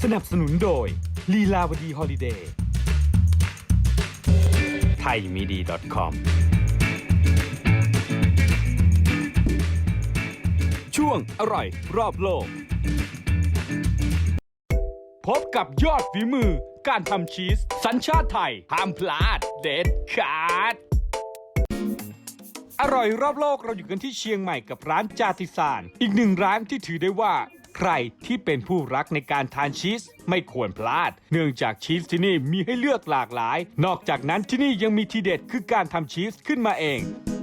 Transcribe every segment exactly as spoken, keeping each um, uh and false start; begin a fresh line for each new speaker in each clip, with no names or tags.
นับสนุนโดยลีลาวดีฮอลิเดย์ไทยมีดี .com ช่วงอร่อยรอบโลกพบกับยอดฝีมือการทำชีสสัญชาติไทยห้ามพลาดเด็ดขาดอร่อยรอบโลกเราอยู่กันที่เชียงใหม่กับร้านจาติสานอีกหนึ่งร้านที่ถือได้ว่าใครที่เป็นผู้รักในการทานชีสไม่ควรพลาดเนื่องจากชีสที่นี่มีให้เลือกหลากหลายนอกจากนั้นที่นี่ยังมีทีเด็ดคือการทำชีสขึ้นมาเอง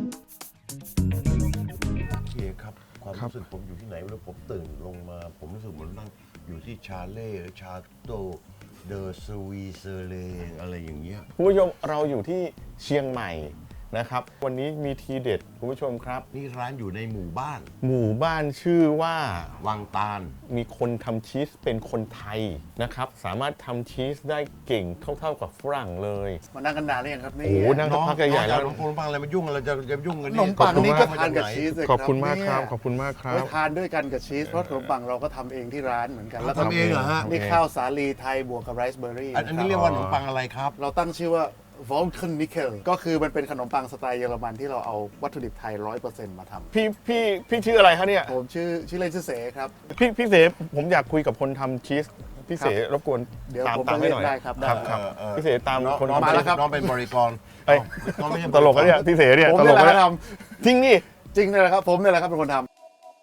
โอเคครับความรู้สึกผมอยู่ที่ไหนแล้วผมตื่นลงมาผมรู้สึกเหมือนนั่งอยู่ที่ชาเล่ชาโตเดอสวีเซเลอะไรอย่างเงี้ย
คุณผู้ชมเราอยู่ที่เชียงใหม่นะครับวันนี้มีทีเด็ดคุณผู้ชมครับ
นี่ร้านอยู่ในหมู่บ้าน
หมู่บ้านชื่อว่า
วังตาล
มีคนทำชีสเป็นคนไทยนะครับสามารถทำชีสได้เก่งเท่าๆกับฝรั่งเลย
มานั่งกันนานหรือยังครับนี่
โอ้โหนั่งสักพักใหญ่ๆแล้ว
ขนมปังอะไรมายุ่งอะไรจะจะยุ่งกัน
ข
นี่
นมปังนี่ก็ทานกับ
ไห
ชีสเลย
ขอบคุณมากครับขอบคุณมากครั
ไว้
บ
ทานด้วยกันกับชีสเพราะขนมปังเราก็ทำเองที่ร้านเหมือนกันแล้ว
ทำเองเหรอฮะ
นี่ข้าวสาลีไทยบวกกับไรซ์เบอร์รี่
อันนี้เรียกว่าขนมปังอะไรครับ
เราตั้งชื่อว่า Vulcanikel ก็คือมันเป็นขนมปังสไตล์เยอรมันที่เราเอาวัตถุดิบไทย ร้อยเปอร์เซ็นต์ มาทำ
พี่พี่พี่ชื่ออะไรคะเนี่ย
ผมชื่อชื่อเล่นชื่อเสครับ
พี่พี่เสผมอยากคุยกับคนทำชีสพี่เสรบกวน
เดี๋ยว
ตาม
ผม
ตามให้หน่อย
ได้ครับได้
ครับครับ
เออเออ
พี่เสตาม
น้อง
คน
น้อง
ทำ
มา
ชี
แล้ว
ส
ครับ
น้องเป็นบริกร
เอ้ย
น้องไม่ใช่
ตลกนะเนี่ยพี่เสเนี่ย
ผม
ตล
นี่
ก
แหละ
นะ
ท
จริงนี่
ำจริงเลยครับผมนี่แหละครับเป็นคนทำ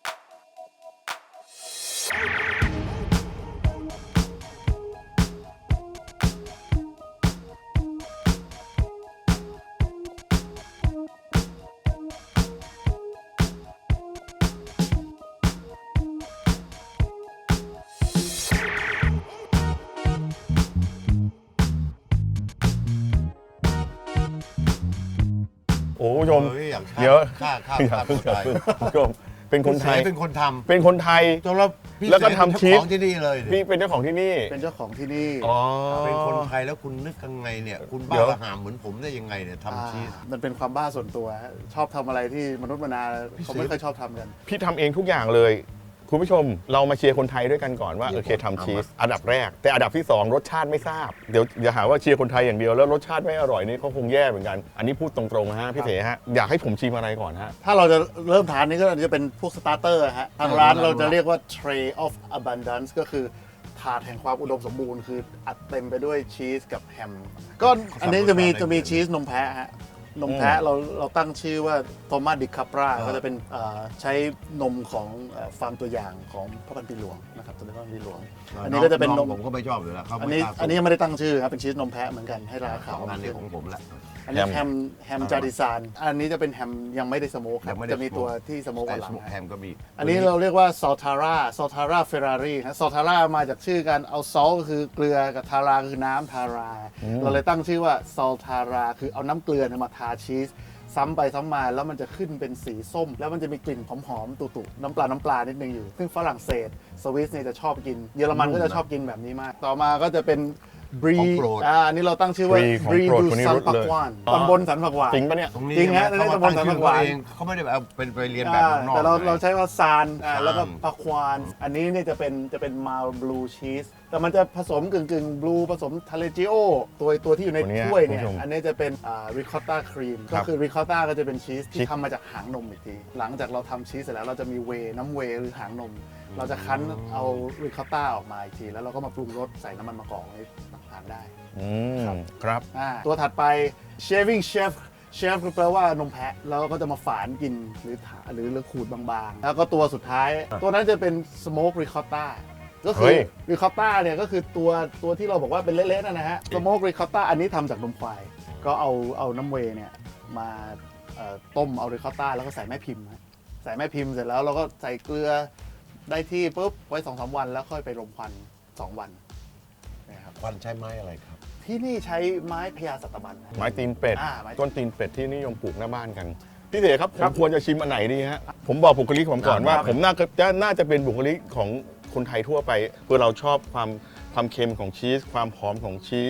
โอ้ผู้ชม
เฮ้ยอยากฆ่า
เดี๋ยว
ฆ่าฆ่า
อย่า
ฆ่า
เพิ่ง
ตัว
อย่า
ตาย
เพิ่งคุณผู้ชมเป็นคนไทย
พี่เสเป็นคนท
เป็นคนไทย
ำจนแล้วพี่
แล้วก็
เส
ทำชีส
เป็นเจ้าของที่นี่เลย
พี่เป็นเจ้าของที่นี่
เป็นเจ้าของที่นี่
อ๋อ
เป็นคนไทยแล้วคุณนึกยังไงเนี่ย คุณ
เดี๋
บ้า
ยว
ระหามเหมือนผมได้ยังไงเนี่ยทำชีส
อ่ามันเป็นความบ้าส่วนตัวฮะชอบทำอะไรที่มนุษย์มนา
พี่
เขา
เส
ไม่ค่อยชอบทำกัน
พี่ทำเองทุกอย่างเลยคุณผู้ชมเรามาเชียร์คนไทยด้วยกันก่อนว่า
เดี๋
โอ
ยว
เค
ผม
ทำชีส
เอามา
อันดับแรก แต่อันดับที่สองรสชาติไม่ทราบเดี๋ยวอย่าหาว่าเชียร์คนไทยอย่างเดียวแล้วรสชาติไม่อร่อยนี่เขาคงแย่เหมือนกันอันนี้พูดตรงๆนะฮะพี่เสฮะอยากให้ผมชิมอะไรก่อนฮะ
ถ้าเราจะเริ่มทานนี่ก็จะเป็นพวกสตาร์เตอร์ฮะทางร้านเราจะเรียกว่า tray of abundance ก็คือถาดแห่งความอุดมสมบูรณ์คืออัดเต็มไปด้วยชีสกับแฮมก็อันนี้จะมีจะมีชีสนมแพะฮะนมแพะเราเราตั้งชื่อว่าโทมัสดิคาปราก็จะเป็นเอ่อใช้นมของเอ่อฟาร์มตัวอย่างของพระพันปีหลวงนะครับตัวนี้พระพันปีหลวง อันนี้ก็จะเป็นนม
ผมก็ไม่ชอบอยู่แล้วเขา
อัน
ไม่
นี้
กล้า
อันนี้ยังไม่ได้ตั้งชื่อครับเป็นชีสนมแพะเหมือนกันให้รา
ส
คา
องอันนี้ของผมแหละ
อันนี้แฮมแฮม
อ่า
จาดิซานอันนี้จะเป็นแฮมยังไม่ได้สโมกค
ยั
รับ
งไม่ได้
จะมีตัวที่สโมก
แต่
กว่าหลัง
แฮมก็มี
อันนี้เราเรียกว่าซอลทาร่าซอลทาร่าเฟอร์รารี่ฮะซอลทาร่ามาจากชื่อการเอาซอลก็คือเกลือกับทาราคือน้ำทารา เราเลยตั้งชื่อว่าซอลทาราคือเอาน้ำเกลือเนี่ยมาทาชีสซ้ำไปซ้ำมาแล้วมันจะขึ้นเป็นสีส้ม แล้วมันจะมีกลิ่นหอมๆตุๆน้ำปลาน้ำปลานิดนึงอยู่ ซึ่งฝรั่งเศสสวิสเนี่ยจะชอบกิน เยอรมันก็จะชอบกินแบบนี้มาก ต่อมาก็จะเป็นบรี
ของโปรด
อ่าอันนี้เราตั้งชื่อว่า
Brie ของ
บรี
โปรด
ดู
คนนี้
ซัน
รู้
ปัก
เลย
วาน
อ๋อ
ตำบลสันปักวาน
จริงปะเนี่ย
ตรงนี้
จริงฮะ
เขามา
ในตำบล
ตั้ง
สัน
ชื่
ปะ
อ
กวาน
เขาเองเขาไม่ได้เอาเป็นไปเรียนแบบเมืองนอก
แต่เรา
นะ
เราใช้ว่าซานอ่า
ซาน
แล้วก็ปาควาน อันนี้เนี่ยจะเป็นจะเป็นมาบลูชีสแต่มันจะผสมกึ่งกึ่งบลูผสมทาเลจิโอตัวตัวที่อยู่ใน
ตัวเนี้ย
ถ้วยเนี่ย
คุณผู้ชม
อันนี้จะเป็นริคอตตาครีม
ค
ก็
รับ
คือริคอตตาก็จะเป็นชีส
ชี
ที่
ส
ทำมาจากหางนมอีกที หลังจากเราทำชีสเสร็จแล้วเราจะมีเวย์น้ำเวย์หรือหางนม เราจะคั้นเอาริคอตตาออกมาอีกที แล้วเราก็มาปรุงรสใส่น้ำมันมะกอกนี่ทานได้
อืม
ครับ
ครับ
อ่าตัวถัดไป shaving chef เชฟคือแปลว่านมแพะแล้วก็จะมาฝานกินหรือถาหรือหรือขูดบางๆ แล้วก็ตัวสุดท้าย ตัวนั้นจะเป็น smoke ricotta ก็คื
เฮ้
อย ricotta เนี่ยก็คือตัวตัวที่เราบอกว่าเป็นเละๆนั่นนะฮะ smoke ricotta อันนี้ทำจากนมควาย ก็เอาเอาน้ำเวย์เนี่ยมาเอ่อต้มเอา ricotta แล้วก็ใส่แม่พิมพ์ฮะใส่แม่พิมพ์เสร็จแล้วเราก็ใส่เกลือได้ที่ปุ๊บไว้ สองสาม วันแล้วค่อยไปรมควันสองวันนะครับ
ควันใช้ไม้อะไรครับ
ที่นี่ใช้ไม้พญาสัตบันนะ
ไม้ตีนเป็ด
อ่าไม้
ต้นตีนเป็ดที่นิยมปลูกหน้าบ้านกันพี่เสครับผมควรจะชิมอันไหนดีฮะผมบอกบุคลิกผมก่อนว่า
ครับ
ผมน่าจะน่าจะเป็นบุคลิกของคนไทยทั่วไปเพื่อเราชอบความความเค็มของชีสความหอมของชีส
ครับ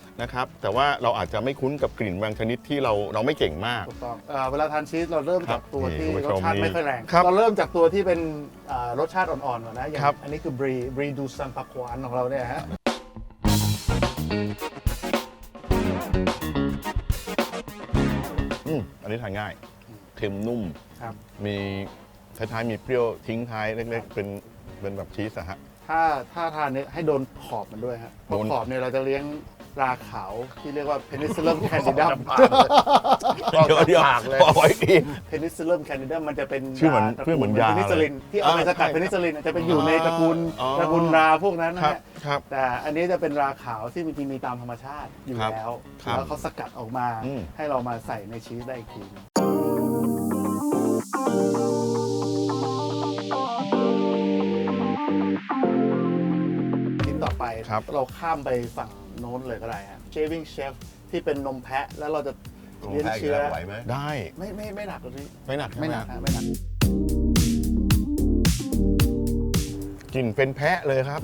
นะครับแต่ว่าเราอาจจะไม่คุ้นกับกลิ่นบางชนิดที่เราเราไม่เก่งมาก
ถูกต้องเอ่อเวลาทานชีสเราเริ่มจากตัวที่
นี่
ร
คุณ
ส
ผู้ชม
ชาติ
นี่
ไม่ค่อยแรง
ครับ
เราเริ่มจากตัวที่เป็นอ่ารสชาติอ่อนๆก่อนนะอย่าง
ครับ
อันนี้คือบรีบรีดูซันปักควานของเราเนี่ยฮะ
อืมอันนี้ทานง่ายเค็มนุ่ม
ครับ
มีท้ายๆมีเปรี้ยวทิ้งท้ายเล็กๆ เป็นเป็นแบบชีสอะฮะ
ถ้าถ้าทานเนี่ยให้โดนขอบมันด้วยฮะเพราะ
โดน
ขอบเนี่ยเราจะเลี้ยงราขาวที่เรียกว่า Penicillium candidum
เดี๋ยวเดี๋ยวเอาไว้อีก
Penicillium candidum มันจะเป็น
ชื่อเหมือน
ตระ
ชื่อเหมือนยา
เพนิซิลินที่เอาไป
อ่า
สกัด
ใช่
เพนิซิลินจะเป็นอยู่ในตระกูล
อ๋อ
ตระกูลราพวกนั้นนะครับ ฮะ
ครับ
แต่อันนี้จะเป็นราขาวที่มีมีตามธรรมชาติอยู่
ครับ
แล้ว
ครับ
แล้วเขาสกัดออกมา
อืม
ให้เรามาใส่ในชีสได้อีกทีชิ้นต่อไป
ครับ
เราข้ามไปฝั่งโน้นเลยก็ได้ฮะ Shaving Chef ที่เป็นนมแพะแล้วเราจะ
ลง
เลี้ยง
แพ้อีก
เชื้อ
แล้วไหวไหม
ได้
ไม่ไม่ไม่หนักเลยพี่
ไม่หนัก
ไม่หนัก
ใช่
ฮะ
ไหม
ไม่หนัก
กลิ่นเป็นแพะเลยครับ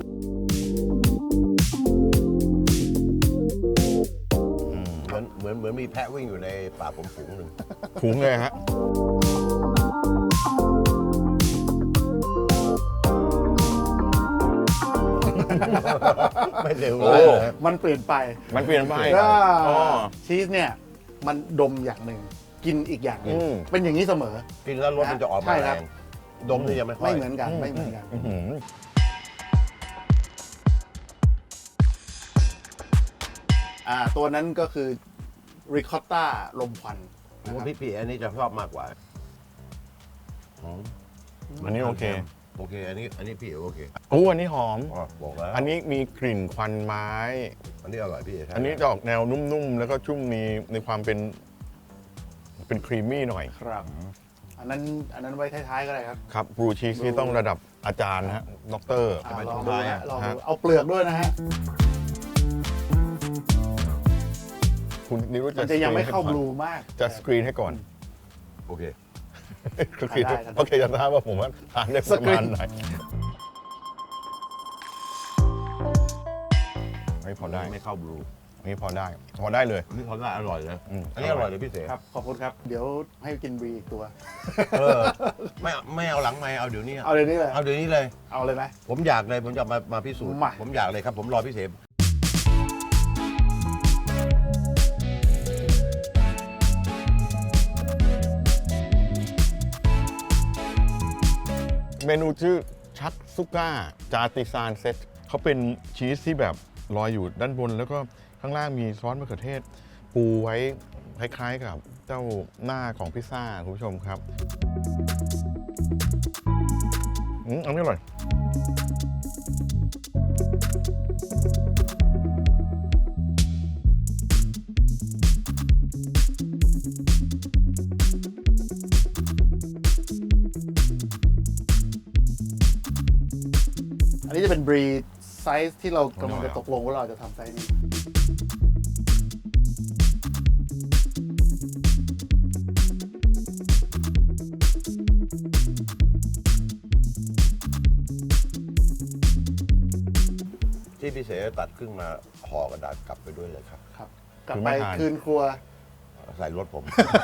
เหมือนเหมือนเหมือนมีแพะวิ่งอยู่ในป่าผมฝูงหนึ่ง
ถุงเลยฮะ
ไม่เร็ว
โอ้
เลยนะ
มันเปลี่ยนไป
มันเปลี่ยนไป
ก็
อ๋อ
ชีสเนี่ยมันดมอย่างหนึ่งกินอีกอย่างหนึ่ง
อืม
เป็นอย่างนี้เสมอ
กินแล้วรสมันจะออก
ใช่
มา
ค
แร
รับ
งดมนี่ยังไม่ค่อย
ไม่เหมือนกันไม่เหมือนกัน
อื้อหือ
อ่าตัวนั้นก็คือริคอตต้าลมควัน
ผม
นะค
ว่า
รับ
พี่ปีอันนี้จะชอบมากกว่าหอม
อันนี้โอเค
โอเค อันนี้อันนี้พี่โอเค
โอ้อันนี้หอม
อ๋อบอกแล้ว
อันนี้มีกลิ่นควันไม้
อันนี้อร่อยพี่ใช่
อันนี้จะออกแนวนุ่มๆ แล้วก็ชุ่มมีในความเป็น เป็นครีมมี่หน่อย
ครับ อันนั้นอันนั้นไว้ท้ายๆก็ได้ครับ
ครับบลูชีสนี่ต้องระดับอาจารย์นะฮะด็อกเตอร์
อ่าลองดูนะลองดูเอาเปลือกด้วยนะฮะ
คุณนิรุต
มันจะยังไม่เข้า
สกรีนให้ก่อน
บลูมาก
จะสกรีนให้ก่อน
โอเค
สกรีน
ได้ได้
โอเคจะทราบว่าผมว่าทานได้ประมาณไหนไม่พอได้
ไม่เข้าบลู
นี่พอได้ พอได้เลย
อันนี้เขาได้อร่อยเลย
อืม
อันนี้อร่อยเลยพี่เส
ครับ ขอบคุณครับ เดี๋ยวให้กินบรีอีกตัว
เออไม่ไม่เอาหลังไม่เอาเดี๋ยวนี้
เอาเลยนี่เลย
เอาเดี๋ยวนี้เลย
เอาเลยไหม
ผมอยากเลยผมจะมามาพิสูจน์
มา
ผมอยากเลยครับ ผมรอพี่เสม
เมนูชื่อชักซุก้าจาติซานเซตเขาเป็นชีสที่แบบลอยอยู่ด้านบน แล้วก็ข้างล่างมีซอสมะเขือเทศ ปูไว้คล้ายๆกับเจ้าหน้าของพิซซ่าคุณผู้ชมครับอืมอันนี้อร่อย
อันนี้จะเป็นบรีไซส์ที่เรากำลัง
อร่อย
จะ
อ่ะ
ตกลงว่าเราจะทำไซส์นี้
ที่พี่เสตัดครึ่งมาห่อกระดาษกลับไปด้วยเลยครับ
ครับ กลับ
คือ
ไป
ไม่ทาน
คืนครัว
ใส่รถผม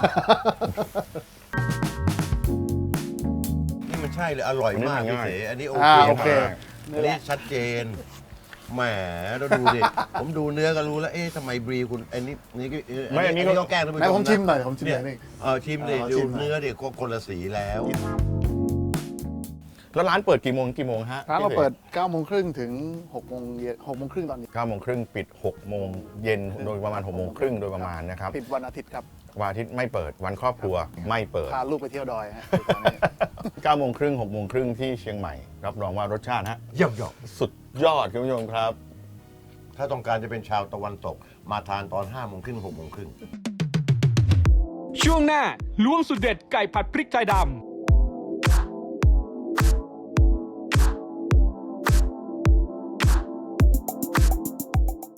นี่มันใช่เลยอร่อยมาก
อันนี้
พี่
ง่าย
เสอันนี้โอ
อ่า
เค
โอเค
มากอันนี้ชัดเจนแหมเราดูดิ ผมดูเนื้อก็รู้แล้วเอ๊ะทำไมบรีคุณอันนี้นี่ก็
ไม่อันนี้ก็
ก็แกล้งท่านผู้ช
ไหน
ม
ผม
นะ
ชิมหน่อยผมชิมหน่อยนี่
เออชิมดิ
เอา
ดู
ชิมหน่อย
เนื้อดิก็คนละสีแล้ว
แล้วร้านเปิดกี่โมงกี่โมงฮะ
ร้านเรา
พี่ส
เปิดเก้าโมงครึ่งถึงหกโมงเย็นหกโมงครึ่งตอนนี้
เก้าโมงครึ่งปิดหกโมงเย็นโดยประมาณหกโมงครึ่งโดยประมาณนะครับ
ปิดวันอาทิตย์ครับ
วันอาทิตย์ไม่เปิดวันครอบครัวไม่เปิด
พาลูกไปเที่ยวดอยฮะตอนนี้
เก้าโมงครึ่งหกโมงครึ่งที่เชียงใหม่ รับรองว่ารสชาติฮะ
เยี่ยมยอด
สุดยอดคุณผู้ชมครับ
ถ้าต้องการจะเป็นชาวตะวันตก มาทานตอนห้าโมงครึ่งหกโมงครึ่ง
ช่วงหน้าล้วงสุดเด็ดไก่ผัดพริกไทยดำ